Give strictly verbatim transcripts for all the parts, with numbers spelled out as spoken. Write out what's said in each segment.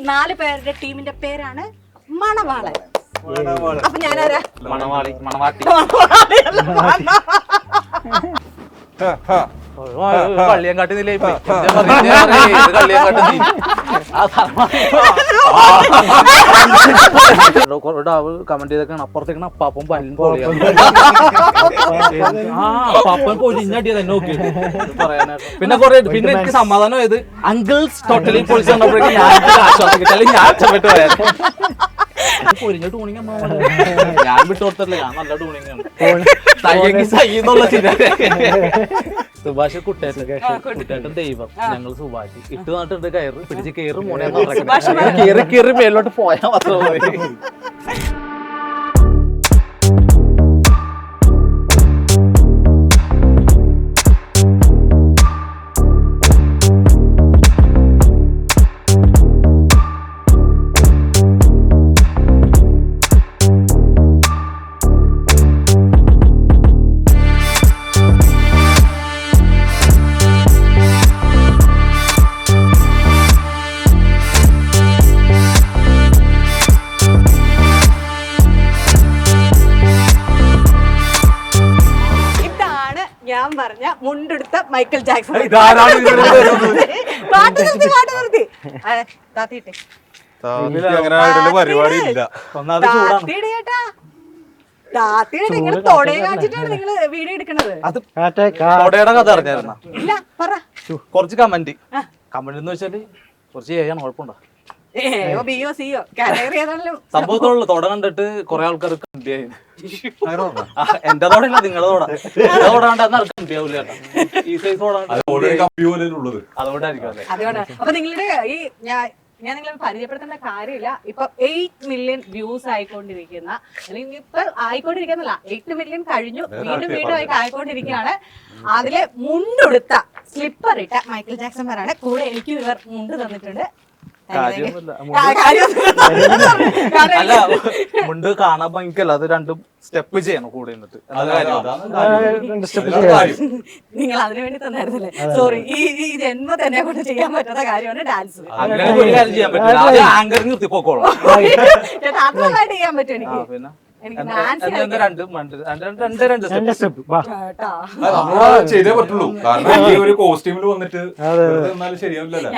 നാല് പേരുടെ ടീമിന്റെ പേരാണ് മണവാളൻ. അപ്പൊ ഞാനാരാ? മണവാളി മണവാട്ടി കള്ളിയം കാട്ടുന്നില്ലേ കള്ളിയം കാട്ടുന്ന കമന്റ് ചെയ്തൊക്കെയാണ് അപ്പുറത്തേക്കാണ് അപ്പാപ്പൻ പല്ലും പൊളിയാണ് ആ അപ്പാപ്പൻ പൊലിഞ്ഞടിയ തന്നെ നോക്കി പറയാനായിട്ട്. പിന്നെ കുറെ പിന്നെ എനിക്ക് സമാധാനം ആയത് അങ്കിൾസ് ടോട്ടലി പൊളിച്ച് വന്നപ്പോഴേക്കും ഞാൻ ആശ്വാസം കിട്ടി, അല്ലെങ്കിൽ ഞാൻ അച്ചപ്പെട്ട് പോയാൽ പൊരിഞ്ഞ ടൂണിങ് ഞാൻ വിട്ടു കൊടുത്തില്ല. ഞാൻ നല്ല ടൂണിങ് ആണ് സഹിന്നുള്ള സുഭാഷ് കുട്ടേട്ടൻ കുട്ടേട്ടൻ ദൈവം, ഞങ്ങൾ സുഭാഷ് ഇട്ട് നട്ടിട്ട് കയറ് പിടിച്ച് കയറി മോനെ കയറി കയറി മേലോട്ട് പോയാൽ മാത്രം മതി. ഞാൻ പറഞ്ഞ മുണ്ടെടുത്ത മൈക്കൽ ജാക്സൺ. പാട്ട് നിർത്തി പാട്ട് നിർത്തി താത്തിട്ടെ താത്തിയുടെ നിങ്ങൾ തൊടയെ കാണിച്ചിട്ടാണ് നിങ്ങൾ വീഡിയോ എടുക്കണത്. ഇല്ല പറ കുറച്ച് കമന്റ് കമന്റ് എന്ന് വെച്ചാല് കുറച്ച് ചെയ്യാൻ കുഴപ്പമുണ്ടോ സംഭവത്തോടുള്ള തൊട കണ്ടിട്ട് കൊറേ ആൾക്കാർ കമ്പിയായി. എന്റെ തോടല്ല നിങ്ങളുടെ തോട തോടാണ്ട് ആർക്കും കമ്പിയാവൂല ഈ സൈസ് അതുകൊണ്ടായിരിക്കും. അപ്പൊ നിങ്ങളുടെ ഈ ഞാൻ ഞാൻ നിങ്ങളെ പരിചയപ്പെടുത്തേണ്ട കാര്യമില്ല. ഇപ്പൊ എയ്റ്റ് മില്യൺ വ്യൂസ് ആയിക്കൊണ്ടിരിക്കുന്ന അല്ലെങ്കിൽ ഇപ്പൊ ആയിക്കൊണ്ടിരിക്കുന്നില്ല എയ്റ്റ് മില്യൺ കഴിഞ്ഞു വീണ്ടും വീണ്ടും ആയി ആയിക്കൊണ്ടിരിക്കുകയാണ്. അതിലെ മുണ്ടെടുത്ത സ്ലിപ്പർ ഇട്ട മൈക്കിൾ ജാക്സൺമാരാണ് കൂടെ. എനിക്ക് ഇവർ മുണ്ട് തന്നിട്ടുണ്ട്. അല്ല മുണ്ട് കാണാൻ ഭംഗിക്കല്ല, അത് രണ്ടും സ്റ്റെപ്പ് ചെയ്യണം കൂടെ നിന്നിട്ട്. നിങ്ങൾ അതിനു വേണ്ടി തന്നായിരുന്നല്ലേ? സോറി, ഈ ഈ ജന്മ തന്നെ കൊണ്ട് ചെയ്യാൻ പറ്റാത്ത കാര്യമാണ് ഡാൻസ്. അങ്ങനെ ഒരു കാര്യം ചെയ്യാൻ പറ്റില്ല, ആങ്കർ നിർത്തി പോക്കോളാം. മാത്രമായിട്ട് ചെയ്യാൻ പറ്റും എനിക്ക്. പിന്നെ ചെയ്തേ പറ്റുള്ളൂ, കാരണം ഈ ഒരു കോസ്റ്റ്യൂമിൽ വന്നിട്ട് ശരിയാവില്ലല്ലോ.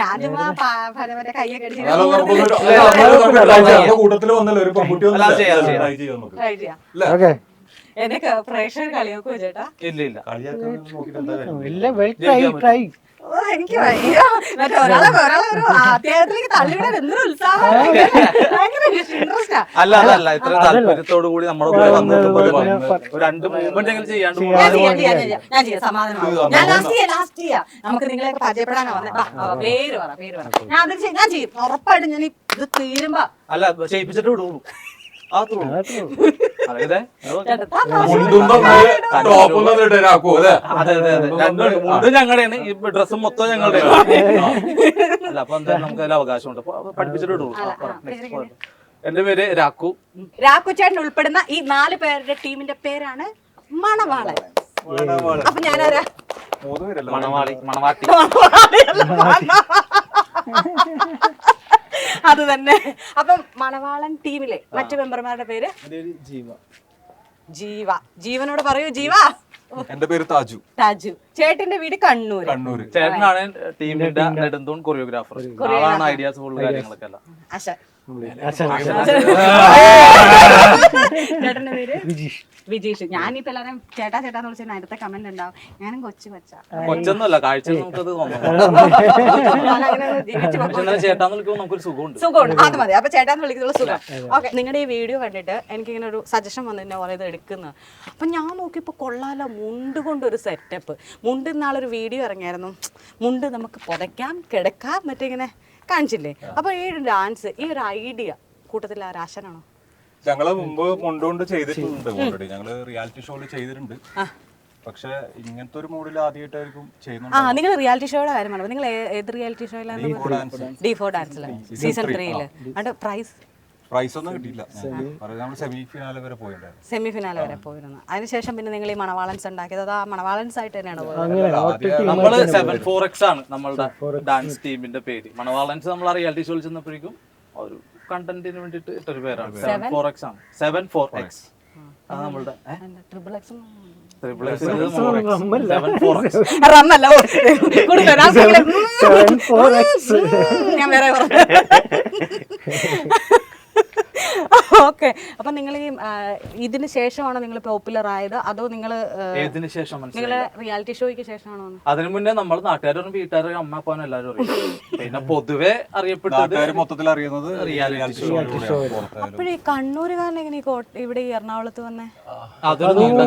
കൂട്ടത്തില് വന്നല്ലോ ഒരു പെൺകുട്ടി എനിക്ക് പ്രേക്ഷകർ കളിയാക്കോ ചേട്ടാ? ഇല്ല ഇല്ല എനിക്ക് മറ്റേ ഒരാളെ ഒരാളെ ഒരു അത്യാവശ്യത്തിലേക്ക് തള്ളിവിടാൻ എന്തൊരു ഉത്സാഹം. അല്ല അതല്ല ഇത്ര താല്പര്യത്തോടു കൂടി നമ്മുടെ കൂടെ വന്നിട്ട് രണ്ട് മൂവ്മെന്റ് എങ്കിലും ചെയ്യാണ്ട് ഞാൻ ചെയ്യാം. സമാധാനം ഞാൻ ലാസ്റ്റ് ചെയ്യാം ലാസ്റ്റ് ചെയ്യാം നമുക്ക് നിങ്ങളെ പരിചയപ്പെടാനാ വന്നേ. പേര് പറ പേര് പറ ഞാൻ അത് ഞാൻ ചെയ്യും ഉറപ്പായിട്ടും. ഞാൻ ഇത് തീരുമ്പോ അല്ല ചെയ്യിപ്പിച്ചിട്ട് വിടുള്ളൂ. ഞങ്ങളുടെയാണ് ഈ ഡ്രസ്സും മൊത്തം ഞങ്ങളുടെയാണ്. അല്ല അപ്പൊ എന്തായാലും നമുക്ക് അതിൽ അവകാശമുണ്ട്, പഠിപ്പിച്ചിട്ട് വിടുള്ളൂ. എന്റെ പേര് രാക്കു. രാക്കു ചേട്ടൻ ഉൾപ്പെടുന്ന ഈ നാല് പേരുടെ ടീമിന്റെ പേരാണ് മണവാളൻ. അപ്പൊ ഞാനാരാ? മണവാളി മണവാട്ടി അത് തന്നെ. അപ്പം മണവാളൻ ടീമിലെ മറ്റു മെമ്പർമാരുടെ പേര്? ജീവ. ജീവ. ജീവനോട് പറയൂ ജീവ. എന്റെ പേര് താജു. താജു. ചേട്ടന്റെ വീട് കണ്ണൂർ. കണ്ണൂർ. ചേട്ടനാണ് ടീമിന്റെ നെടുന്തൂൺ കൊറിയോഗ്രാഫർ. ആളാണ് ഐഡിയാസ് ഫുൾ കാര്യങ്ങളൊക്കെ എല്ലാം. ചേട്ടന്റെ പേര് വിജീഷ്. ഞാനിപ്പോ എല്ലാരും ചേട്ടാ ചേട്ടാന്ന് വിളിച്ചാൽ അടുത്ത കമന്റ് ഉണ്ടാവും ഞാനും കൊച്ചു കൊച്ചാ. കൊച്ചൊന്നുമല്ല, കാഴ്ച നമുക്കത് ചേട്ടാന്ന് വിളിക്കുമ്പോൾ നമുക്കൊരു സുഖമുണ്ട്. സുഖമുണ്ട്, അത് മതി. അപ്പൊ ചേട്ടാന്ന് വിളിക്കുന്നുള്ള സുഖം. ഓക്കെ, നിങ്ങളുടെ ഈ വീഡിയോ കണ്ടിട്ട് എനിക്കിങ്ങനെ ഒരു സജഷൻ വന്നു എന്നെ പറയുന്നത് എടുക്കുന്നത്. അപ്പൊ ഞാൻ നോക്കിയപ്പോ കൊള്ളാലോ, മുണ്ട് കൊണ്ടൊരു സെറ്റപ്പ്. മുണ്ട് ഇന്നാളൊരു വീഡിയോ ഇറങ്ങിയായിരുന്നു. മുണ്ട് നമുക്ക് പുതയ്ക്കാം കിടക്കാം മറ്റേ ഇങ്ങനെ കാണിച്ചില്ലേ? അപ്പൊ ഈ ഡാൻസ് ഈ ഒരു ഐഡിയ കൂട്ടത്തിൽ ആ രാശനാണോ? ഞങ്ങള് മുമ്പ് മുണ്ടുകൊണ്ട് ചെയ്തിട്ടുണ്ട് ഓൾറെഡി. ഞങ്ങള് റിയാലിറ്റി ഷോയിൽ ചെയ്തിട്ടുണ്ട്. പക്ഷെ ഇങ്ങനത്തെ ഒരു മൂഡിൽ ആദ്യമായിട്ടായിരിക്കും ചെയ്യുന്നത്. ആ, നിങ്ങൾ റിയാലിറ്റി ഷോയുടെ കാര്യം പറഞ്ഞു. നിങ്ങൾ ഏത് റിയാലിറ്റി ഷോയിലാണ്? ഡി ഫോർ ഡാൻസില് സീസൺ ത്രീയില്. അതിന്റെ പ്രൈസ് പ്രൈസ് ഒന്നും കിട്ടിയില്ല. സെമി ഫിനാലെ വരെ പോയിട്ടുണ്ടായിരുന്നു. സെമി ഫിനാലെ വരെ പോയിരുന്നു. അതിനുശേഷം പിന്നെ നിങ്ങൾ ഈ മണവാളൻസ് ഉണ്ടാക്കിയത് അത് ആ മണവാളൻസ് ആയിട്ട് തന്നെയാണ് പോയത്? നമ്മള് സെവൻ ഫോർ എക്സ് ആണ് നമ്മളുടെ ഡാൻസ് ടീമിന്റെ പേര്. മണവാളൻസ് നമ്മൾ റിയാലിറ്റി ഷോയിൽ ചെന്നപ്പോഴേക്കും ഒരു കണ്ടന്റിന് വേണ്ടിട്ട് ഇട്ടൊരു പേരാണ് സെവൻ ഫോർ എക്സ് ആണ് സെവൻ ഫോർ എക്സ് അത് നമ്മളുടെ triple X triple X seven four X റമ്മല്ല ഞാൻ വേറെ ഓക്കെ. അപ്പൊ നിങ്ങൾ ഈ ഇതിന് ശേഷമാണോ നിങ്ങൾ പോപ്പുലർ ആയത്, അതോ നിങ്ങൾ ഏതിനു ശേഷം നിങ്ങളെ റിയാലിറ്റി ഷോയ്ക്ക് ശേഷമാണോ? അതിനു മുന്നേ നമ്മൾ നാട്ടുകാരും വീട്ടുകാരും അമ്മ അപ്പാനും എല്ലാവരും അറിയും. പിന്നെ പൊതുവെ അറിയപ്പെട്ടത് മൊത്തത്തിൽ അറിയുന്നത് റിയാലിറ്റി ഷോ. അപ്പോൾ ഈ കണ്ണൂരുകാരൻ എങ്ങനെ ഈ കോട്ട- ഇവിടെ ഈ എറണാകുളത്ത് വന്നേ? അതൊരു നീണ്ട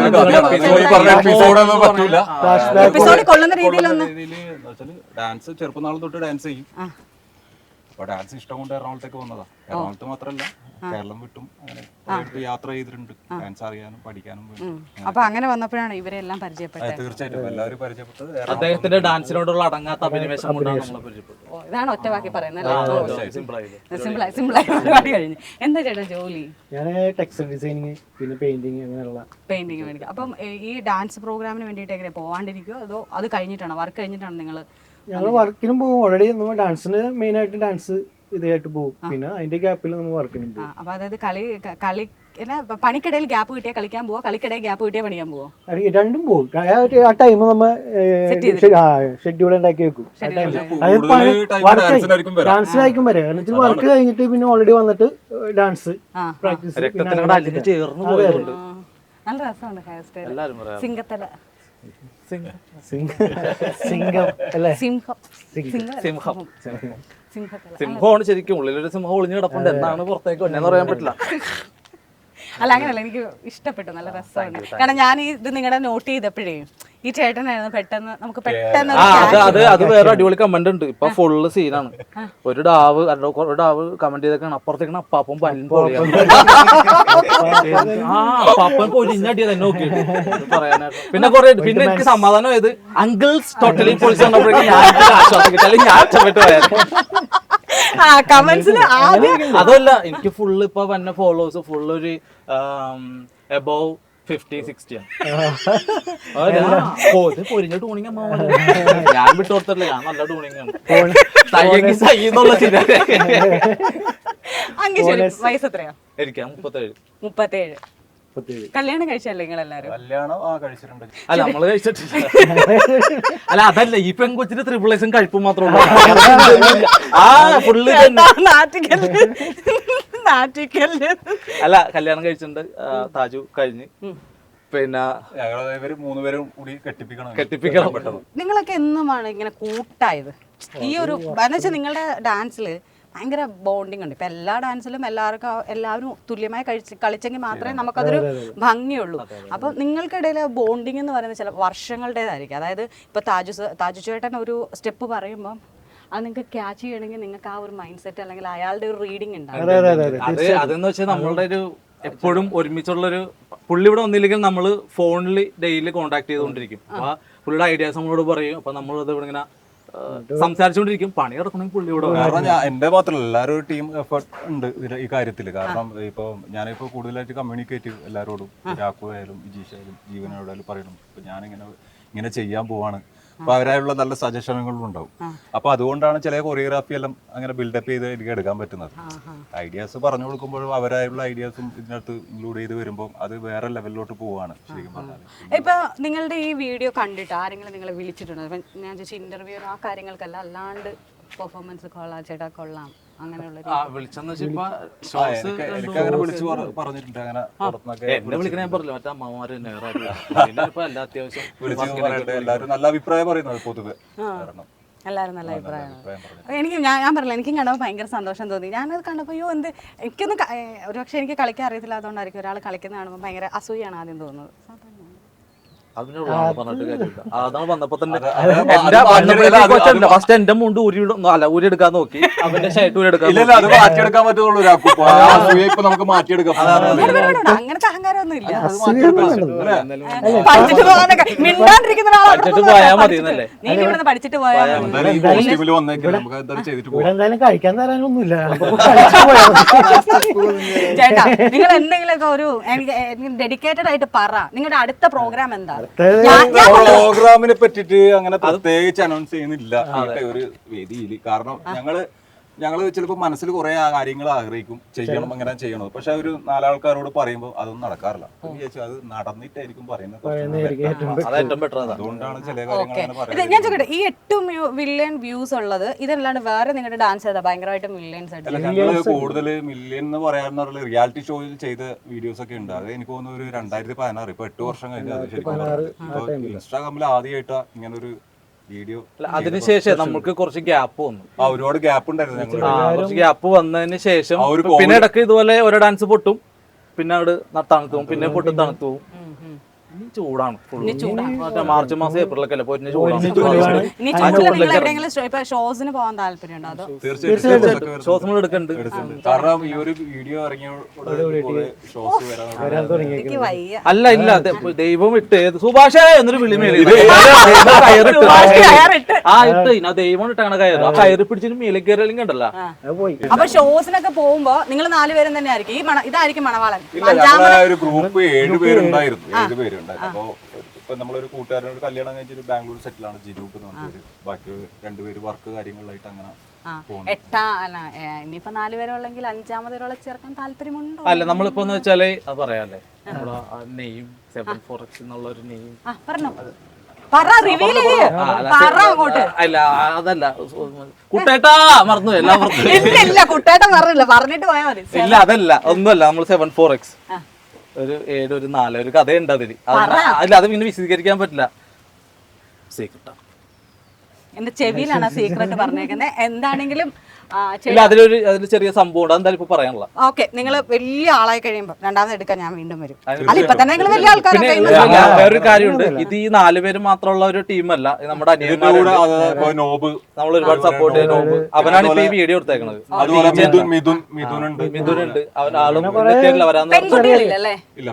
എപ്പിസോഡിൽ കൊള്ളുന്ന രീതിയിലൊന്ന് ഡാൻസ് ചെറുപ്പം നാൾ തൊട്ട് ഡാൻസ് ചെയ്യും. അപ്പൊ ഡാൻസ് ഇഷ്ടം കൊണ്ട് എറണാകുളത്തേക്ക് വന്നതാ. എറണാകുളത്ത് മാത്രല്ല കേരളം വിട്ടും അങ്ങനെ യാത്ര ചെയ്തിട്ടുണ്ട് ഡാൻസ് അറിയാനും പഠിക്കാനും വേണ്ടി. അപ്പൊ അങ്ങനെ വന്നപ്പോഴാണ് ഇവരെല്ലാം പരിചയപ്പെട്ടത്. തീർച്ചയായിട്ടും എല്ലാവരും പരിചയപ്പെട്ടത് അദ്ദേഹത്തിന്റെ ഡാൻസിനോടുള്ള അടങ്ങാത്ത അഭിനിവേശം കൊണ്ടാണ് നമ്മളെ പരിചയപ്പെട്ടത്. ഓ, ഇതാണ് ഒറ്റവാക്കി പറയുന്നത്. സിമ്പിളായി സിമ്പിളായി പരിപാടി കഴിഞ്ഞു. എന്താ ചേട്ടാ ജോലി? ഞാൻ ടെക്സ്റ്റൈൽ ഡിസൈനിങ് പിന്നെ പെയിന്റിങ് അങ്ങനെയുള്ള പെയിന്റിങ് മേടിക്കും. അപ്പം ഈ ഡാൻസ് പ്രോഗ്രാമിന് വേണ്ടിയിട്ട് എങ്ങനെ പോവാണ്ടിരിക്കുമോ, അതോ അത് കഴിഞ്ഞിട്ടാണോ, വർക്ക് കഴിഞ്ഞിട്ടാണ് നിങ്ങൾ? ഞങ്ങൾ വർക്കിനും പോകും. ഓൾറെഡി നമ്മൾ ഡാൻസിന് മെയിൻ ആയിട്ട് ഡാൻസ് ഇതായിട്ട് പോകും. പിന്നെ അതിന്റെ ഗ്യാപ്പിൽ നമ്മൾ വർക്കിനും പോകും. അപ്പൊ അതായത് കളി കളി പണിക്കിടയിൽ ഗ്യാപ്പ് കിട്ടിയാൽ കളിക്കാൻ പോവോ, കളിക്കിടയിൽ ഗ്യാപ്പ് കിട്ടിയാൽ പഠിക്കാൻ പോവോ? രണ്ടും പോകും. ആ ടൈം നമ്മൾ ഷെഡ്യൂൾ ഉണ്ടാക്കി വെക്കും. ഡാൻസിലായിരിക്കും വരെ എന്നിട്ട് വർക്ക് കഴിഞ്ഞിട്ട് പിന്നെ ഓൾറെഡി വന്നിട്ട് ഡാൻസ് പ്രാക്ടീസ്. നല്ല രസമുണ്ട് ഹെയർ സ്റ്റൈൽ. സിംഗത്തല സിംഗം അല്ലേ? സിംഹം സിംഹം സിംഹത്തല. സിംഹമാണ് ശരിക്കും. ഉള്ളിലൊരു സിംഹം ഒളിഞ്ഞു കിടപ്പുണ്ട്. എന്നാണ് പുറത്തേക്ക് വന്നെന്ന് പറയാൻ പറ്റില്ല. അല്ല അങ്ങനല്ല, എനിക്ക് ഇഷ്ടപ്പെട്ടു, നല്ല രസമാണ്. കാരണം ഞാൻ ഈ ഇത് നിങ്ങളുടെ നോട്ട് ചെയ്തപ്പോഴേ ഈ ചേട്ടനായിരുന്നു പെട്ടെന്ന് നമുക്ക് പെട്ടെന്ന് ആ അത് അത് അത് വേറെ അടിപൊളി കമന്റ് ഉണ്ട്. ഇപ്പൊ ഫുള്ള് സീനാണ്. ഒരു ഡാവ് ഒരു ഡാവ് കമന്റ് ചെയ്തേക്കാണ് അപ്പുറത്തേക്കാണ് അപ്പാപ്പൻ പല്ലും പൊളിയാണ്. ആ അപ്പാപ്പൻ പൊലിഞ്ഞടിയത് എന്നെ നോക്കിയിട്ട് പറയാനായിട്ട്. പിന്നെ കുറെ പിന്നെ എനിക്ക് സമാധാനം ആയത് അങ്കിൾസ് ടോട്ടലി പൊളിച്ച് കണ്ടപ്പോഴേക്കും ഞാൻ ആശ്വാസം കിട്ടി. അല്ലെങ്കിൽ ഞാൻ ഇഷ്ടപ്പെട്ടു പോയായിരുന്നു. അതല്ല, എനിക്ക് ഫുള്ള് ഇപ്പൊ വന്ന ഫോളോവേഴ്സ് ഫുള്ള് ഒരു എബോവ് ഫിഫ്റ്റി സിക്സ്റ്റി ആണ്. പൊരിഞ്ഞ ടൂണിങ് ഞാൻ വിട്ടു കൊടുത്തില്ല. ഞാൻ നല്ല ടൂണിങ് ആണ്. വയസ്സ് എത്രയാ? എനിക്ക് മുപ്പത്തേഴ്. മുപ്പത്തേഴ്. കല്യാണം കഴിച്ചല്ലേ നിങ്ങൾ എല്ലാരും? കല്യാണം ആ കഴിച്ചിട്ടുണ്ട്. അല്ല നമ്മള് കഴിച്ചിട്ടില്ല. അല്ല അതല്ല, ഈ പെൺകൊച്ചിന് ത്രിപിൾ എസും കഴിപ്പും മാത്രമേ ഉള്ളൂ. ആ ഫുള്ള് അല്ല കല്യാണം കഴിച്ചിട്ടുണ്ട്. താജു കഴിഞ്ഞ് പിന്നെ ഞങ്ങൾ മൂന്നുപേരും കൂടി കെട്ടിപ്പിക്കണം കെട്ടിപ്പിക്കണം. നിങ്ങളൊക്കെ എന്നുമാണ് ഇങ്ങനെ കൂട്ടായത്? ഈ ഒരു എന്നുവെച്ചാൽ നിങ്ങളുടെ ഡാൻസില് ഭയങ്കര ബോണ്ടിങ് ഉണ്ട്. ഇപ്പൊ എല്ലാ ഡാൻസിലും എല്ലാവർക്കും എല്ലാവരും തുല്യമായി കഴിച്ച് കളിച്ചെങ്കിൽ മാത്രമേ നമുക്കതൊരു ഭംഗിയുള്ളൂ. അപ്പൊ നിങ്ങൾക്കിടയിൽ ബോണ്ടിങ് എന്ന് പറയുന്നത് ചില വർഷങ്ങളുടേതായിരിക്കും. അതായത് ഇപ്പൊ താജു താജു ചേട്ടൻ ഒരു സ്റ്റെപ്പ് പറയുമ്പോൾ അത് നിങ്ങൾക്ക് ക്യാച്ച് ചെയ്യണമെങ്കിൽ നിങ്ങൾക്ക് ആ ഒരു മൈൻഡ് സെറ്റ് അല്ലെങ്കിൽ അയാളുടെ ഒരു റീഡിങ് ഉണ്ടാവും. അത് അതെന്ന് വെച്ചാൽ നമ്മളുടെ ഒരു എപ്പോഴും ഒരുമിച്ചുള്ളൊരു പുള്ളി ഇവിടെ വന്നില്ലെങ്കിൽ നമ്മൾ ഫോണിൽ ഡെയിലി കോണ്ടാക്ട് ചെയ്തുകൊണ്ടിരിക്കും. അപ്പൊ പുള്ളിയുടെ ഐഡിയാസ് നമ്മളോട് പറയും. അപ്പൊ നമ്മളത് ഇവിടെ ഇങ്ങനെ സംസാരിച്ചുകൊണ്ടിരിക്കും. പണി കിടക്കണമെങ്കിൽ പുള്ളി ഇവിടെ. കാരണം ഞാൻ എന്റെ മാത്രമല്ല എല്ലാവരും ടീം എഫേർട്ട് ഉണ്ട് ഈ കാര്യത്തിൽ. കാരണം ഇപ്പൊ ഞാനിപ്പോ കൂടുതലായിട്ട് കമ്മ്യൂണിക്കേറ്റ് എല്ലാവരോടും, രാഘു ആയാലും വിജീഷ് ആയാലും ജീവനോടായാലും പറയണം ഇപ്പൊ ഞാനിങ്ങനെ ഇങ്ങനെ ചെയ്യാൻ പോവാണ്. അപ്പൊ അവരായുള്ള നല്ല സജഷനുകളും ഉണ്ടാവും. അപ്പൊ അതുകൊണ്ടാണ് ചില കൊറിയോഗ്രാഫി എല്ലാം അങ്ങനെ ബിൽഡപ്പ് ചെയ്ത് എനിക്ക് എടുക്കാൻ പറ്റുന്നത്. ഐഡിയാസ് പറഞ്ഞു കൊടുക്കുമ്പോഴും അവരായുള്ള ഐഡിയാസും ഇതിനകത്ത് ഇൻക്ലൂഡ് ചെയ്ത് വരുമ്പോൾ അത് വേറെ ലെവലിലോട്ട് പോവാണ് ശരിക്കും പറഞ്ഞാൽ. ഇപ്പൊ നിങ്ങളുടെ ഈ വീഡിയോ കണ്ടിട്ട് ആരെങ്കിലും നിങ്ങളെ വിളിച്ചിട്ടുണ്ടോ? ഞാൻ ചോദിച്ച ഇന്റർവ്യൂ ആ കാര്യങ്ങൾക്കല്ല, അല്ലാണ്ട് പെർഫോമൻസ് കൊള്ളാം ചേട്ടാ കൊള്ളാം അങ്ങനെയുള്ള എല്ലാവരും നല്ല അഭിപ്രായം പറയുന്നത് പൊതുവെ. എല്ലാവരും നല്ല അഭിപ്രായമാണ്. എനിക്ക് ഞാൻ ഞാൻ പറഞ്ഞില്ല, എനിക്കും കണ്ടപ്പോൾ ഭയങ്കര സന്തോഷം തോന്നി. ഞാനത് കണ്ടപ്പോൾ അയ്യോ എന്ത് എനിക്കൊന്നും ഒരു പക്ഷേ എനിക്ക് കളിക്കാൻ അറിയത്തില്ല, അതുകൊണ്ടായിരിക്കും ഒരാൾ കളിക്കുന്ന കാണുമ്പോൾ ഭയങ്കര അസൂയാണ് ആദ്യം തോന്നുന്നത്. അതാണ് വന്നപ്പോ തന്നെ ഫസ്റ്റ് എന്റെ മുണ്ട് ഊരി അല്ല ഊരി എടുക്കാൻ നോക്കി. അവന്റെ ഷർട്ട് ഊരി എടുക്കാൻ മാറ്റിയെടുക്കാൻ പറ്റുള്ളൂ. നമുക്ക് മാറ്റിയെടുക്കാം. അങ്ങനത്തെ അഹങ്കാരമൊന്നും ഇല്ല. പഠിച്ചിട്ട് പോയാൽ മതി എന്നല്ലേ? നീ ഇവിടെ പഠിച്ചിട്ട് പോയാൽ എന്തായാലും കഴിക്കാൻ തരാനൊന്നുമില്ല. ചേട്ടാ നിങ്ങൾ എന്തെങ്കിലുമൊക്കെ ഒരു ഡെഡിക്കേറ്റഡ് ആയിട്ട് പറ. നിങ്ങളുടെ അടുത്ത പ്രോഗ്രാം എന്താ? പ്രോഗ്രാമിനെ പറ്റിട്ട് അങ്ങനെ പ്രത്യേകിച്ച് അനൗൺസ് ചെയ്യുന്നില്ല ഒരു വേദിയിൽ. കാരണം ഞങ്ങള് ഞങ്ങൾ ചിലപ്പോൾ മനസ്സിൽ കുറെ കാര്യങ്ങൾ ആഗ്രഹിക്കും ചെയ്യണം അങ്ങനെ ചെയ്യണം, പക്ഷെ ഒരു നാലാൾക്കാരോട് പറയുമ്പോൾ അതൊന്നും നടക്കാറില്ല. വിചാരിച്ചു അത് നടന്നിട്ടായിരിക്കും പറയുന്നത്, അതുകൊണ്ടാണ് ചില കാര്യങ്ങൾ അങ്ങനെ ഇത് പറയുന്നത്. ഞാൻ ചോദിക്കട്ടെ, ഈ എട്ട് മില്യൺ വ്യൂസ് ഉള്ളത് ഇതല്ലാണ്ട് വേറെ നിങ്ങളുടെ ഡാൻസ് ചെയ്താ ഭയങ്കരമായിട്ട് മില്യൺസ് ആയിട്ട്? അല്ല, ഞങ്ങള് കൂടുതൽ മില്യൺ എന്ന് പറയാന്ന് പറഞ്ഞ റിയാലിറ്റി ഷോയിൽ ചെയ്ത വീഡിയോസ് ഒക്കെ ഉണ്ട്. അത് എനിക്ക് തോന്നുന്നു ഒരു രണ്ടായിരത്തി പതിനാറ് ഇപ്പൊ എട്ട് വർഷം കഴിഞ്ഞു. അത് ശരിക്കും ഇപ്പൊ ഇൻസ്റ്റാഗ്രാമിൽ ആദ്യമായിട്ടാ ഇങ്ങനെ ഒരു വീഡിയോ. അതിനുശേഷം നമുക്ക് കുറച്ച് ഗ്യാപ്പ് വന്നു. ആ ഒരുപാട് ഗ്യാപ്പ് ഉണ്ടായിരുന്നു ഞങ്ങൾ. കുറച്ച് ഗ്യാപ്പ് വന്നതിന് ശേഷം പിന്നെ ഇടയ്ക്ക് ഇതുപോലെ ഓരോ ഡാൻസ് പൊട്ടും, പിന്നെ അവിടെ തണുത്തു പോകും, പിന്നെ പൊട്ടും തണുത്തു പോകും. ഇനി ചൂടാണ് ഫുള്ള്. മാർച്ച് മാസം ഏപ്രിലൊക്കെ അല്ലേ പൊരിഞ്ഞ ചൂടാണ്. ഇനി ചൂടില് നിങ്ങൾ എവിടെയെങ്കിലും ഇപ്പൊ ഷോസിന് പോകാൻ താല്പര്യമുണ്ടോ? അതോ തീർച്ചയായിട്ടും ഷോസ് നമ്മൾ എടുക്കുന്നുണ്ട്. കാരണം ഈ ഒരു വീഡിയോ ഇറങ്ങിയ ഷോസ് വരാൻ എനിക്ക് വയ്യ. അല്ല ഇല്ല അതെ, ദൈവം ഇട്ട് സുഭാഷേ എന്നൊരു വിളി മേലെ ആ ഇട്ട് ഇന്ന ദൈവം ഇട്ടാണ് കയറ്. ആ കയറി പിടിച്ചിട്ട് മേലെ കയറി കണ്ടല്ലോ. അപ്പൊ ഷോസിനൊക്കെ പോകുമ്പോ നിങ്ങൾ നാലുപേരും തന്നെ ആയിരിക്കും ഈ മണ ഇതായിരിക്കും മണവാളൻ? ഇല്ല, ഞങ്ങളെ ഒരു ഗ്രൂപ്പ് ഏഴുപേരുണ്ടായിരുന്നു. ഏഴുപേരുണ്ടായിരുന്നു. അപ്പൊ ഇപ്പൊ നമ്മളൊരു കൂട്ടുകാരനോട് കല്യാണം കഴിച്ചൊരു ബാംഗ്ലൂർ സെറ്റിലാണ് ജിനൂപ്പ് എന്ന് പറഞ്ഞൊരു. ബാക്കി രണ്ടുപേര് വർക്ക് കാര്യങ്ങളിലായിട്ട് അങ്ങനെ എട്ടാ അല്ല ഇനിയിപ്പോ നാലുപേരുള്ളെങ്കിൽ അഞ്ചാമതൊരാളെ ചേർക്കാൻ താല്പര്യമുണ്ടോ? അല്ല നമ്മളിപ്പോ എന്ന് വെച്ചാല് അത് പറയാല്ലേ, നമ്മുടെ നെയിം സെവൻ ഫോർ എക്സ് എന്നുള്ള ഒരു നെയിം പറഞ്ഞോ, പറ റിവീൽ ചെയ്യ്, പറ അങ്ങോട്ട്. അല്ല അതല്ല കുട്ടേട്ടാ മറന്നു എല്ലാം ഇല്ല കുട്ടേട്ടൻ പറഞ്ഞില്ല, പറഞ്ഞിട്ട് പോയാ മതി. ഇല്ല അതല്ല ഒന്നുമല്ല, നമ്മൾ സെവൻ ഫോർ എക്സ് ഒരു ഏഴ് ഒരു നാല് ഒരു കഥയുണ്ട് അതില്. അല്ല അത് പിന്നെ വിശദീകരിക്കാൻ പറ്റില്ല, സീക്രട്ടാ. എന്റെ ചെവിയിലാണ് സീക്രട്ട് പറഞ്ഞേക്കുന്നത്. എന്താണെങ്കിലും ഇല്ല അതിലൊരു അതിൽ ചെറിയ സംഭവം ഉണ്ട്, അതെന്തായാലും ഇപ്പൊ പറയാനുള്ള. ഓക്കെ, നിങ്ങൾ വലിയ ആളായി കഴിയുമ്പോ രണ്ടാമത് എടുക്കാൻ ഞാൻ വീണ്ടും വരും. അല്ല ഇപ്പൊ തന്നെ നിങ്ങൾ വലിയ പിന്നെ വേറൊരു കാര്യമുണ്ട്, ഇത് ഈ നാലുപേര് മാത്രമുള്ള ഒരു ടീമല്ല, നമ്മുടെ അനിയന്മാരുണ്ട്, നമ്മൾ ഒരുപാട് സപ്പോർട്ട് ചെയ്യുന്ന നോബ്, അവനാണ് ഇപ്പൊ ഈ വീഡിയോ എടുത്തേക്കണത്. മിഥുനുണ്ട്, അവൻ ആളും വരാന്ന് പെൺകുട്ടികളില്ലല്ലേ?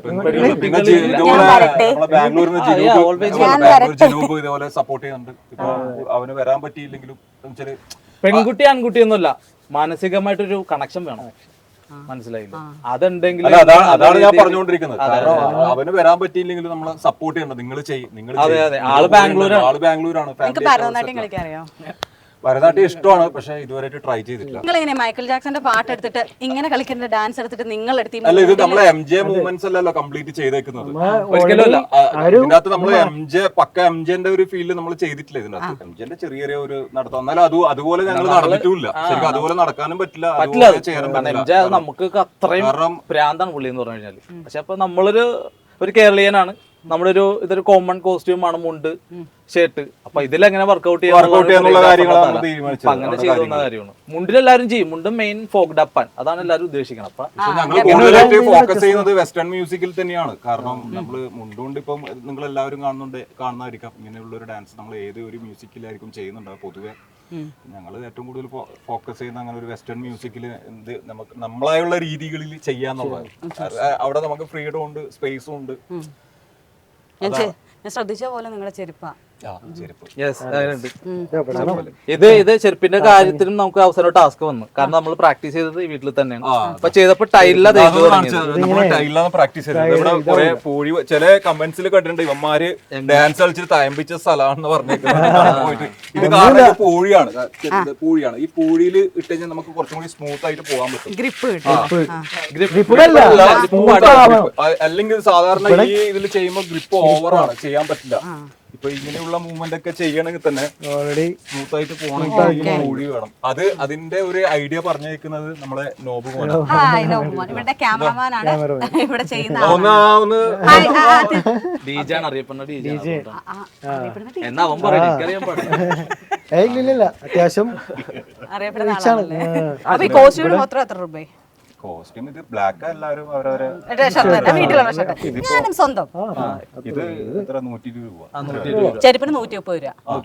ഇതേപോലെ സപ്പോർട്ട് ചെയ്യുന്നുണ്ട്. ഇപ്പൊ അവന് വരാൻ പറ്റിയില്ലെങ്കിലും പെൺകുട്ടി ആൺകുട്ടി ഒന്നുമല്ല, മാനസികമായിട്ടൊരു കണക്ഷൻ വേണം, മനസ്സിലായില്ല? അതുണ്ടെങ്കിൽ അതാണ് ഞാൻ പറഞ്ഞുകൊണ്ടിരിക്കുന്നത്. അവന് വരാൻ പറ്റിയില്ലെങ്കിലും നമ്മളെ സപ്പോർട്ട് ചെയ്യണം. നിങ്ങൾ ചെയ്യും, നിങ്ങൾ അതെ അതെ ആള് ബാംഗ്ലൂരാണ്. ആള് ബാംഗ്ലൂരാണ്. ഭരതനാട്യം കളിക്കാറിയോ? ഭരതനാട്യം ഇഷ്ടമാണ്, പക്ഷെ ഇതുവരെയായിട്ട് ട്രൈ ചെയ്തിട്ടില്ല. നിങ്ങൾ എങ്ങനെ മൈക്കിൾ ജാക്സന്റെ പാട്ട് എടുത്തിട്ട് ഇങ്ങനെ കളിക്കുന്ന ഡാൻസ് എടുത്തിട്ട് നിങ്ങൾ എടുത്തി? അല്ല, ഇത് നമ്മളെ എം ജെ മൂവ്മെന്റ്സ് അല്ലല്ലോ കംപ്ലീറ്റ് ചെയ്തേക്കുന്നത്. ഇതിനകത്ത് നമ്മൾ എം ജെ പക്ക എം ജെന്റെ ഒരു ഫീൽഡ് നമ്മൾ ചെയ്തിട്ടില്ല ഇതിനകത്ത്. എം ജെന്റെ ചെറിയ ചെറിയ ഒരു നടത്തം, എന്നാലും അത് അതുപോലെ ഞങ്ങൾ നടന്നിട്ടില്ല. ശരിക്കും അതുപോലെ നടക്കാനും പറ്റില്ല, അതുപോലെ ചെയ്യാനും പറ്റില്ല. നമുക്ക് അത്രയും ഭ്രാന്താണ് പുള്ളി എന്ന് പറഞ്ഞു കഴിഞ്ഞാല്. പക്ഷെ അപ്പൊ നമ്മളൊരു ഒരു കേരളീയനാണ്, നമ്മളൊരു ഇതൊരു കോമൺ കോസ്റ്റ്യൂം ആണ്, മുണ്ട് ഷർട്ട്. അപ്പൊ ഇതിലെങ്ങനെ വർക്ക്ഔട്ട് ചെയ്യാനുള്ള കാര്യങ്ങളാണ് അങ്ങനെ ചെയ്യുന്ന കാര്യമാണ്. മുണ്ടിലെല്ലാരും ചെയ്യും, മുണ്ടും മെയിൻ ഫോക്ക് ഡപ്പാൻ, അതാണ് എല്ലാവരും ഉദ്ദേശിക്കണം. അപ്പൊ ഞങ്ങൾ കൂടുതലായിട്ട് ഫോക്കസ് ചെയ്യുന്നത് വെസ്റ്റേൺ മ്യൂസിക്കിൽ തന്നെയാണ്. കാരണം നമ്മള് മുണ്ടുകൊണ്ട് ഇപ്പം നിങ്ങൾ എല്ലാവരും കാണുന്നുണ്ട് കാണുന്നതായിരിക്കാം, ഇങ്ങനെയുള്ള ഒരു ഡാൻസ് നമ്മൾ ഏത് ഒരു മ്യൂസിക്കിലായിരിക്കും ചെയ്യുന്നുണ്ടാവും പൊതുവെ. ഞങ്ങൾ ഏറ്റവും കൂടുതൽ ഫോക്കസ് ചെയ്യുന്ന അങ്ങനെ ഒരു വെസ്റ്റേൺ മ്യൂസിക്കിൽ എന്ത് നമുക്ക് നമ്മളായുള്ള രീതികളിൽ ചെയ്യാന്നുള്ളതാണ്. അവിടെ നമുക്ക് ഫ്രീഡം ഉണ്ട്, സ്പേസും ഉണ്ട്. ഞാൻ ശ്രദ്ധിച്ച പോലെ നിങ്ങളുടെ ചെരുപ്പാ. ഇത് ഇത് ചെരുപ്പിന്റെ കാര്യത്തിലും നമുക്ക് അവസരം ടാസ്ക് വന്നു, കാരണം നമ്മൾ പ്രാക്ടീസ് ചെയ്തത് വീട്ടിൽ തന്നെയാണ്. അപ്പൊ ചെയ്തപ്പോ ടൈലില പ്രാക്ടീസ് ചെയ്തത്. ഇവിടെ കുറെ പൂഴി ചില കമന്റ്സിൽ കണ്ടിട്ടുണ്ട്, ഇവന്മാര് ഡാൻസ് കളിച്ചിട്ട് തയമ്പിച്ച സ്ഥലമാണെന്ന് പറഞ്ഞിട്ട്. ഇത് കാരണം പൂഴിയാണ്, പൂഴിയാണ്. ഈ പൂഴിയിൽ ഇട്ട് കഴിഞ്ഞാൽ നമുക്ക് കുറച്ചും കൂടി സ്മൂത്ത് ആയിട്ട് പോകാൻ പറ്റും. അല്ലെങ്കിൽ സാധാരണ ഈ ഇതിൽ ചെയ്യുമ്പോൾ ഗ്രിപ്പ് ഓവറാണ്, ചെയ്യാൻ പറ്റില്ല. ഇപ്പൊ ഇങ്ങനെയുള്ള മൂവ്മെന്റ് ഒക്കെ ചെയ്യണമെങ്കിൽ തന്നെ ഓൾറെഡി സ്മൂത്ത് ആയിട്ട് പോകണമെങ്കിൽ പൂഴി വേണം. അത് അതിന്റെ ഒരു ഐഡിയ പറഞ്ഞേക്കുന്നത് നമ്മളെ നോബ് ഇവിടെ ക്യാമറമാനാണ് ഇവിടെ ചെയ്യുന്ന. അറിയപ്പെടുന്ന ഡിജെ എന്നാ അവൻ പറയും, അത്യാവശ്യം അറിയപ്പെടുന്ന ആളാണല്ലേ. അപ്പൊ ഈ കോസ്റ്റ്യൂമിന് മാത്രം എത്ര രൂപ? കോസ്റ്റ്യൂം ഇത് ബ്ലാക്ക്, എല്ലാവരും അവരവരെ ഞാനും സ്വന്തം. ഇത് എത്ര നൂറ്റി ഇരുപത് രൂപ, ചെരുപ്പിന് നൂറ്റി മുപ്പത്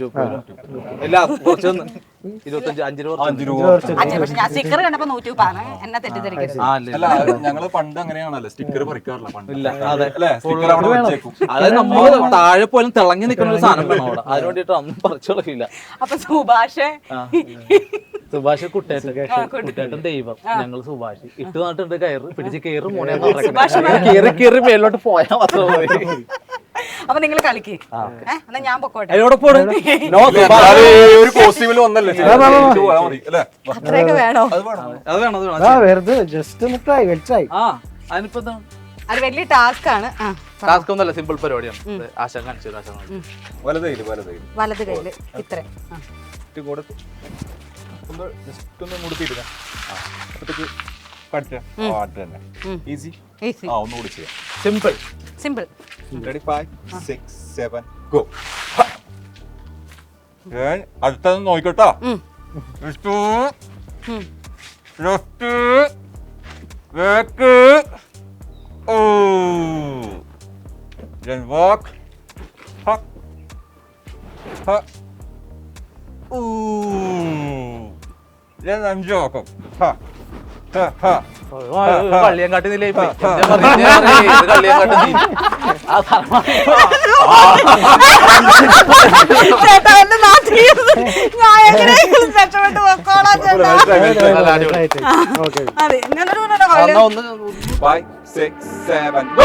രൂപ. ഇരുപത്തഞ്ച് അഞ്ച് രൂപ അഞ്ച് രൂപ. പക്ഷെ ഞാൻ സ്റ്റിക്കർ കണ്ടപ്പോ നൂറ്റി മുപ്പാണ്, എന്നെ തെറ്റിദ്ധരിക്കരുത്. അല്ല, ഞങ്ങള് പണ്ട് അങ്ങനെയാണല്ലോ, സ്റ്റിക്കർ പറിക്കാറില്ല പണ്ട്. അതായത് നമ്മള് താഴെ പോലും തിളങ്ങി നിൽക്കുന്ന ഒരു സാധനം വേണം അവിടെ, അതിന് വേണ്ടിട്ട് ഒന്നും പറിച്ചോളില്ല. അപ്പൊ സുഭാഷ് സുഭാഷ് കുട്ടേട്ടൻ കുട്ടേട്ടൻ ദൈവം, ഞങ്ങൾ സുഭാഷ് ഇട്ട് നട്ടിട്ട് കയറ് പിടിച്ച് കയറ് മോനെ കയറി കയറി മേലോട്ട് പോയാൽ മാത്രം മതി. അപ്പൊ നിങ്ങൾ കളിക്ക് ഏഹ് എന്നാ ഞാൻ പൊക്കോട്ടെ. എന്നാലും ഈ ഒരു കോസ്റ്റ്യൂമിൽ വന്നല്ലേ പോയാൽ മതി അല്ലേ? അത്രയൊക്കെ വേണോ? അത് വേണം. അത് വേണം അത് വേണം ആ വെറുതെ ജസ്റ്റ് ഒന്ന് ട്രൈ ട്രൈ ആ അതിനിപ്പോ എന്താണ് അത് വലിയ ടാസ്ക് ആണ്. ആ ടാസ്ക് ഒന്നല്ല, സിമ്പിൾ പരിപാടിയാണ്. ആശ കാണിച്ചു ആശ കാണിച്ചു വലതയില് വലതയില് വലത് കയ്യില് ഇത്ര കൂടെ ഒന്ന് ജസ്റ്റ് ഒന്ന് മുടുത്തിയില്ല. അപ്പത്തേക്ക് പഠിച്ചാ അത് തന്നെ ഈസി. ഈസി ആ ഒന്നുകൂടി ചെയ്യാം. Simple simple. Ready five six seven go. അടുത്തത് നോക്കിക്കോട്ടോ. Left left back oh then walk ha ha ooh then I'm joking ha ha ha കള്ളിയം കാട്ടി നില കള്ളിയം കാട്ടി ചേട്ടാ എന്നെ നാട്ടിൽ ഞാൻ എങ്ങനെയെങ്കിലും രക്ഷപ്പെട്ട് പൊക്കോളാം ചേട്ടാ. ഓക്കെ അതെ ഇങ്ങനൊരു കളി. ഒന്ന് five six seven go.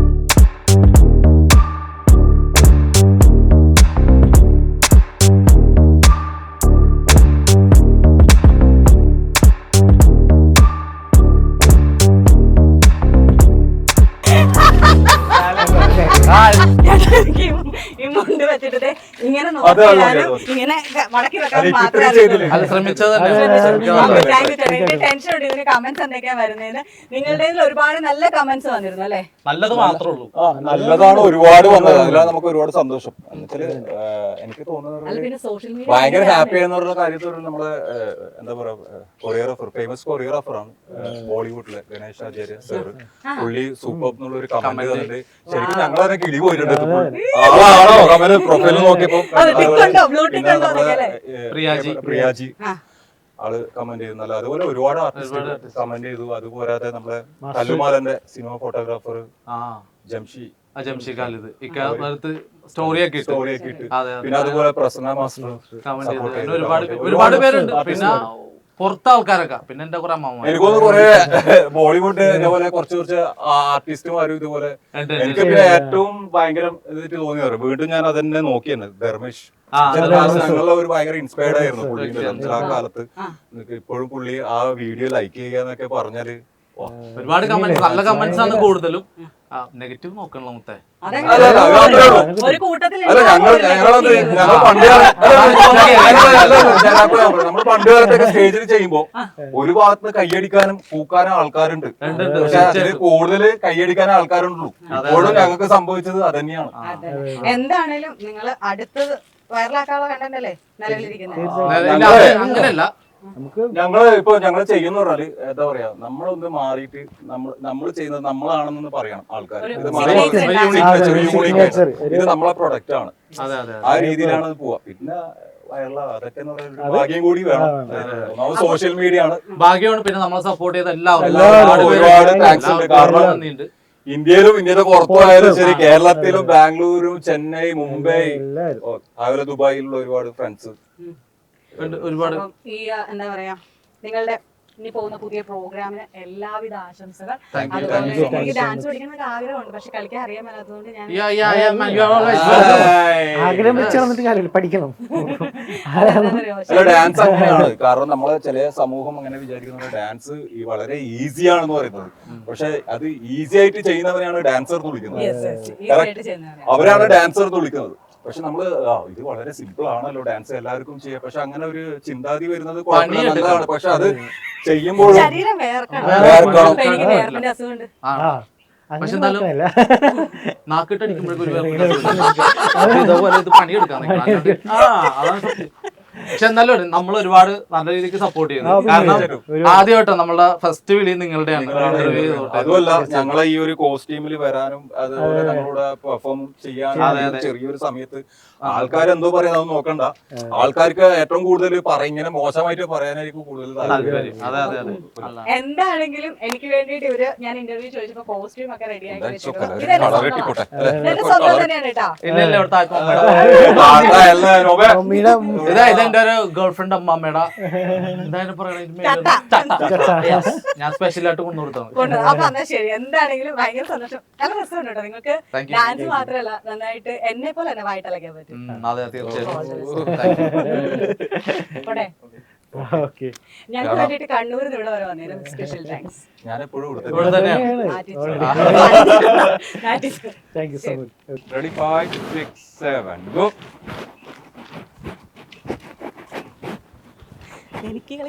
എനിക്ക് ഈ മുണ്ട് വെച്ചിട്ട് ഇങ്ങനെ നോക്കിയാലും ഇങ്ങനെ മടക്കി വെക്കാൻ മാത്രമേ അറിയുള്ളൂ. അത് ശ്രമിച്ചത് തന്നെ. താങ്ക് യു ചേട്ടാ. എനിക്ക് ടെൻഷൻ ഉണ്ട് ഇതിന് കമന്റ്സ് എന്തൊക്കെയാ വരുന്നതിന്. നിങ്ങളുടെ ഒരുപാട് നല്ല കമന്റ്സ് വന്നിരുന്നു അല്ലേ? നല്ലത് മാത്രമേ ഉള്ളൂ. ആ നല്ലതാണ് ഒരുപാട് വന്നത്. അതിലാണ് നമുക്ക് ഒരുപാട് സന്തോഷം. എന്നുവെച്ചാല് എനിക്ക് അല്ല തോന്നുന്നത് പിന്നെ സോഷ്യൽ മീഡിയ ഭയങ്കര ഹാപ്പി എന്നുള്ള കാര്യത്തിൽ നമ്മള് എന്താ പറയാ കൊറിയോഗ്രാഫർ ഫേമസ് കൊറിയോഗ്രാഫർ ആണ് ബോളിവുഡിലെ ഗണേഷ് ആചാര്യ സർ. പുള്ളി സൂപ്പർ എന്നുള്ള ഒരു കമന്റ് തന്നിട്ട് ശരിക്കും ഞങ്ങളതിനെ കിളി പോയിട്ടുണ്ട്. ആളാണോ കമന്റ് പ്രൊഫൈൽ നോക്കിയപ്പോ പ്രിയാജി. പ്രിയാജി ആള് കമന്റ് ചെയ്യുന്നല്ല. അതുപോലെ ഒരുപാട് ആർട്ടിസ്റ്റ് കമന്റ് ചെയ്തു. അതുപോരാതെ നമ്മളെ കല്ലുമാലന്റെ സിനിമ ഫോട്ടോഗ്രാഫർ ആ ജംഷി ജംഷി ഖാലിദ് ഇക്കാലത്ത് സ്റ്റോറിയൊക്കെ ഇട്ടു. സ്റ്റോറിയൊക്കെ ഇട്ട് അതെ പിന്നെ അതുപോലെ പ്രസന്ന മാസ്റ്റർ കമന്റ് ചെയ്തു. അങ്ങനെ ഒരുപാട് ഒരുപാട് പേരുണ്ട്. പിന്നെ പുറത്തെ ആൾക്കാരൊക്കെ പിന്നെ എന്റെ കുറെ അമ്മ എനിക്കൊന്ന് കുറെ ബോളിവുഡ് ഇതേപോലെ കുറച്ച് കുറച്ച് ആർട്ടിസ്റ്റുമാരും ഇതുപോലെ എനിക്ക് പിന്നെ ഏറ്റവും ഭയങ്കര ഇതായിട്ട് തോന്നി പറയും. വീണ്ടും ഞാൻ അതന്നെ നോക്കി തന്നെ ധർമ്മേഷ് ഞങ്ങളുടെ ഒരു ഭയങ്കര ഇൻസ്പയർഡ് ആയിരുന്നു പുള്ളി ആ കാലത്ത്. ഇപ്പോഴും പുള്ളി ആ വീഡിയോ ലൈക്ക് ചെയ്യുക എന്നൊക്കെ പറഞ്ഞാല് ഒരുപാട് കമന്റ്സ് നല്ല കമന്റ്സ് ആണ് കൂടുതലും. നെഗറ്റീവ് നോക്കണല്ലോ മുത്തേ. ഒരു കൂട്ടത്തിൽ അല്ല ഞങ്ങൾ ഞങ്ങളത് ഞങ്ങൾ പണ്ട് നമ്മൾ പണ്ട് കാലത്തൊക്കെ സ്റ്റേജിൽ ചെയ്യുമ്പോ ഒരു ഭാഗത്ത് കൈയടിക്കാനും പൂക്കാനും ആൾക്കാരുണ്ട്. പക്ഷെ അതിൽ കൂടുതൽ കൈയടിക്കാനും ആൾക്കാരുണ്ടല്ലോ. ഇപ്പോഴും ഞങ്ങൾക്ക് സംഭവിച്ചത് അതന്നെയാണ്. എന്താണേലും നിങ്ങൾ അടുത്തത് വൈറലാക്കാനുള്ള കണ്ടന്റ് അല്ലേ നിലവിലിരിക്കുന്നത്? അങ്ങനെയല്ല, ഞങ്ങള് ഇപ്പൊ ഞങ്ങൾ ചെയ്യുന്ന പറഞ്ഞാല് എന്താ പറയാ നമ്മളൊന്ന് മാറിയിട്ട് നമ്മൾ നമ്മൾ ചെയ്യുന്നത് നമ്മളാണെന്ന് പറയണം ആൾക്കാർ. ഇത് ഇത് നമ്മളെ പ്രൊഡക്റ്റ് ആണ്. ആ രീതിയിലാണ് അത് പോവാ. പിന്നെ വൈറലാ അതൊക്കെ ഭാഗ്യം കൂടി വേണം. സോഷ്യൽ മീഡിയ ആണ് ഭാഗ്യമാണ്. പിന്നെ നമ്മളെ സപ്പോർട്ട് ചെയ്ത എല്ലാവരും ഒരുപാട് താങ്ക്സ് ഉണ്ട്. കാരണം ഇന്ത്യയിലും ഇന്ത്യയുടെ പുറത്തുമായാലും ശരി, കേരളത്തിലും ബാംഗ്ലൂരും ചെന്നൈ മുംബൈ അതുപോലെ ദുബായിലുള്ള ഒരുപാട് ഫ്രണ്ട്സ് ഒരുപാട്. ഈ എന്താ പറയാ നിങ്ങളുടെ ഇനി പോകുന്ന പുതിയ പ്രോഗ്രാമിന് എല്ലാവിധ ആശംസകൾ. അതുപോലെ എനിക്ക് ഡാൻസ് പഠിക്കണമെന്ന് ആഗ്രഹമുണ്ട്, പക്ഷെ കളിക്കാൻ അറിയാൻ മേലാത്തതുകൊണ്ട് ഞാൻ ആഗ്രഹം വെച്ച് നടന്നിട്ട് കാര്യമില്ല, പഠിക്കണം. ഡാൻസ് അങ്ങനെയാണ്. കാരണം നമ്മളെ ചില സമൂഹം അങ്ങനെ വിചാരിക്കുന്നത് ഡാൻസ് വളരെ ഈസി ആണെന്ന് പറയുന്നത്. പക്ഷെ അത് ഈസി ആയിട്ട് ചെയ്യുന്നവരെയാണ് ഡാൻസർ എന്ന് വിളിക്കുന്നത്. അവരാണ് ഡാൻസർ എന്ന് വിളിക്കുന്നത്. പക്ഷെ നമ്മള് ഇത് വളരെ സിമ്പിൾ ആണല്ലോ ഡാൻസ് എല്ലാവർക്കും ചെയ്യാം. പക്ഷെ അങ്ങനെ ഒരു ചിന്താതി വരുന്നത് നല്ലതാണ്. പക്ഷെ അത് ചെയ്യുമ്പോൾ പക്ഷെ എന്തായാലും നാക്കിട്ടടിക്കുമ്പോഴേക്കും ഇതേപോലെ ഇത് പണിയെടുക്കാൻ പക്ഷെ എന്നാലും നമ്മൾ ഒരുപാട് നല്ല രീതിക്ക് സപ്പോർട്ട് ചെയ്യുന്നു. കാരണം ആദ്യമായിട്ടോ നമ്മളെ ഫസ്റ്റ് വിളി നിങ്ങളുടെയാണ്. അതുമല്ല ഞങ്ങളെ ഈ ഒരു കോസ്റ്റ്യൂമിൽ വരാനും അതുപോലെ ഞങ്ങളോട് പെർഫോം ചെയ്യാനും ചെറിയൊരു സമയത്ത് ആൾക്കാരെന്തോ പറയുന്നത് അത് നോക്കണ്ട. ആൾക്കാർക്ക് ഏറ്റവും കൂടുതൽ ഇങ്ങനെ മോശമായിട്ട് പറയാനായിരിക്കും കൂടുതൽ താല്പര്യം. എന്താണെങ്കിലും എനിക്ക് വേണ്ടിയിട്ട് ഇവര് ഞാൻ ഇന്റർവ്യൂ ചോദിച്ചപ്പോ കോസ്റ്റ്യൂം ഒക്കെ റെഡി ആക്കി ഇല്ല ഇല്ല എന്റെ ഒരു ഗേൾ ഫ്രണ്ട് അമ്മാമ്മയുടെ എന്തായാലും പറയണ ഞാൻ സ്പെഷ്യൽ ആയിട്ട് കൊണ്ടുകൊടുത്താണ്. കൊണ്ട് അപ്പൊ എന്നാ ശരി, എന്താണെങ്കിലും ഭയങ്കര സന്തോഷം. നല്ല രസമുണ്ട് കേട്ടോ നിങ്ങൾക്ക്. Thank you. ഡാൻസ് മാത്രമല്ല നന്നായിട്ട് എന്നെ പോലെ തന്നെ വായിട്ടലക്കാൻ പറ്റും. ഉം, അതെ തീർച്ചയായും. പോട്ടെ, ഓക്കെ ഞങ്ങൾക്ക് വേണ്ടിയിട്ട് കണ്ണൂരിൽ നിന്ന് ഇവിടെ വരെ വന്നേരും സ്പെഷ്യൽ താങ്ക്സ്. ഞാൻ എപ്പോഴും ഇവിടെ തന്നെയാണ്. Thank you so much. Ready five six seven go. എനിക്ക്